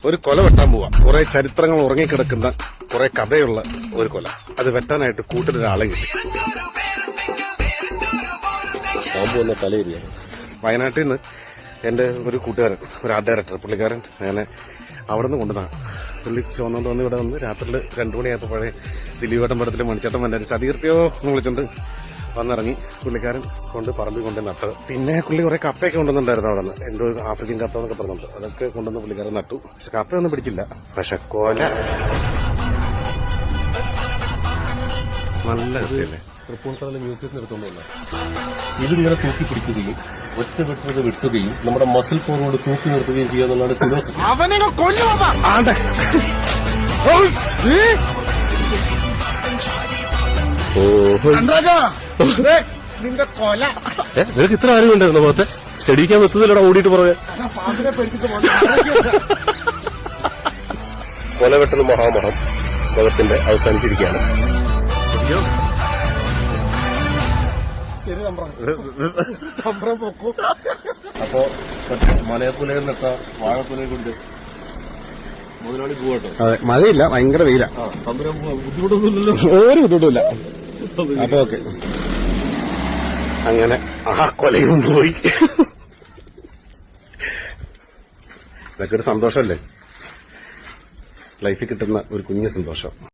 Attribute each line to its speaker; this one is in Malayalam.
Speaker 1: ഒരു കൊല വെട്ടാൻ പോവാ. കുറെ ചരിത്രങ്ങൾ ഉറങ്ങിക്കിടക്കുന്ന കുറെ കഥയുള്ള ഒരു കൊല. അത് വെട്ടാനായിട്ട് കൂട്ടിലൊരാളെ കിട്ടി. വയനാട്ടിൽ നിന്ന് എന്റെ ഒരു കൂട്ടുകാരൻ, ഒരു ആർട്ട് ഡയറക്ടർ, പുള്ളിക്കാരൻ അങ്ങനെ അവിടെ നിന്ന് കൊണ്ടുവന്നാണ്. പുള്ളി ചോന്നുകൊണ്ട് വന്ന് ഇവിടെ വന്ന് രാത്രിയിൽ 2 മണിയായപ്പോൾ പഴയ ദിലീപേട്ടൻ പടത്തിലെ മണിച്ചേട്ടൻ വന്നാലും സതീർത്തിയോ എന്ന് വിളിച്ചിട്ട് വന്നിറങ്ങി. പുള്ളിക്കാരൻ കൊണ്ട് പറമ്പിൽ കൊണ്ട് നട്ടത്. പിന്നെ പുള്ളി കുറെ കപ്പയൊക്കെ കൊണ്ടുവന്നിട്ടുണ്ടായിരുന്നു അവിടെ നിന്ന്. എന്തോ ആഫ്രിക്കൻ കപ്പ എന്നൊക്കെ പറഞ്ഞിട്ട് അതൊക്കെ കൊണ്ടുവന്ന് പുള്ളിക്കാരൻ നട്ടു. പക്ഷെ കപ്പയൊന്നും പിടിച്ചില്ല. പക്ഷെ കൊല നല്ല കഥയല്ലേ.
Speaker 2: തൃപ്പൂണിത്തറയിലെ മ്യൂസിയത്തിന് എടുത്തോണ്ടല്ല ഇതിങ്ങനെ തൂക്കി പിടിക്കുകയും ഒറ്റ വെട്ടത് വെട്ടുകയും നമ്മുടെ മസിൽ ഫോർവേഡ് തൂക്കി നിർത്തുകയും ചെയ്യുക എന്നുള്ളതാണ് ഫിലോസഫി.
Speaker 1: നിന്റെ കൊല
Speaker 2: നിനക്ക് ഇത്ര അറിവുണ്ടായിരുന്നു പുറത്തെ സ്റ്റഡിക്കാൻ വെത്തുന്നില്ലടാ ഓടിയിട്ട് പുറകെ. കൊല വെട്ടൽ മഹാമഹം ലോകത്തിന്റെ അവസാനിച്ചിരിക്കുകയാണ്.
Speaker 1: ശരി തമ്പ്രം പൊക്കൂ.
Speaker 2: അപ്പോ മലയപ്പുലയെ നട്ട വാഴപ്പുലയെ കൊണ്ട് മുതലാളി പോവാട്ടോ.
Speaker 1: അതെ, മഴയില്ല, ഭയങ്കര വെയില.
Speaker 2: തമ്പുരാൻ ബുദ്ധിമുട്ടൊന്നുമില്ലല്ലോ.
Speaker 1: ഒരു ബുദ്ധിമുട്ടില്ല. അപ്പൊ ഓക്കെ. അങ്ങനെ ആ കൊലയും പോയി. ഇതൊക്കെ ഒരു സന്തോഷമല്ലേ, ലൈഫിൽ കിട്ടുന്ന ഒരു കുഞ്ഞു സന്തോഷം.